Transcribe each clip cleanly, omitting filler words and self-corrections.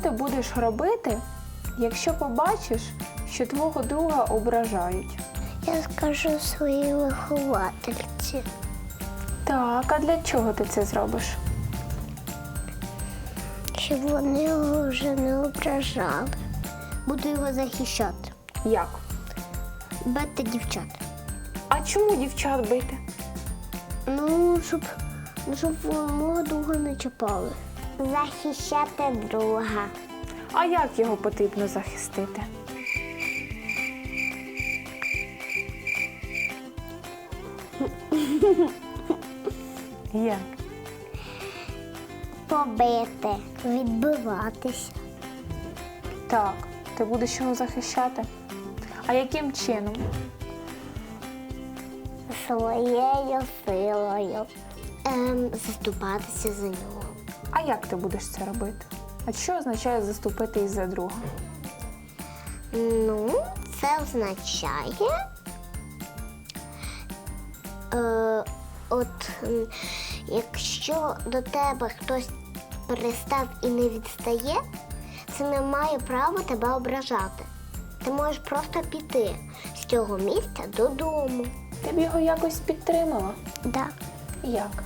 ти будеш робити, якщо побачиш, що твого друга ображають? Я скажу своїй виховательці. Так, а для чого ти це зробиш? Щоб вони його вже не ображали. Буду його захищати. Як? Бити дівчат. А чому дівчат бити? Ну, щоб мого друга не чіпали. Захищати друга. А як його потрібно захистити? Як? Побити, відбиватися. Так, ти будеш його захищати. А яким чином? Своєю силою. Заступатися за нього. А як ти будеш це робити? А що означає заступитись за друга? Ну, це означає, якщо до тебе хтось пристав і не відстає, це не має права тебе ображати. Ти можеш просто піти з цього місця додому. Ти б його якось підтримала? Да. Як?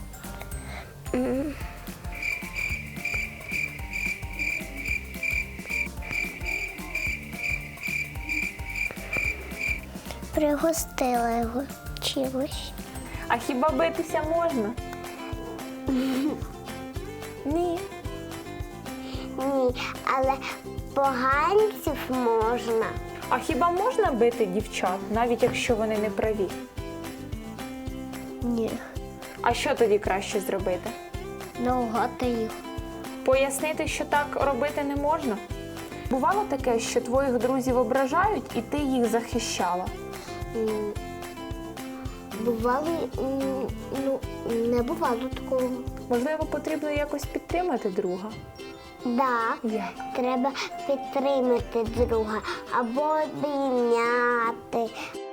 Пригостила його чимось. А хіба битися можна? Ні. Ні, але поганців можна. А хіба можна бити дівчат, навіть якщо вони не праві? Ні. А що тоді краще зробити? Наугати їх. Пояснити, що так робити не можна? Бувало таке, що твоїх друзів ображають і ти їх захищала? Бувало, не бувало такого. Можливо, потрібно якось підтримати друга? Так, Як? треба підтримати друга або обійняти.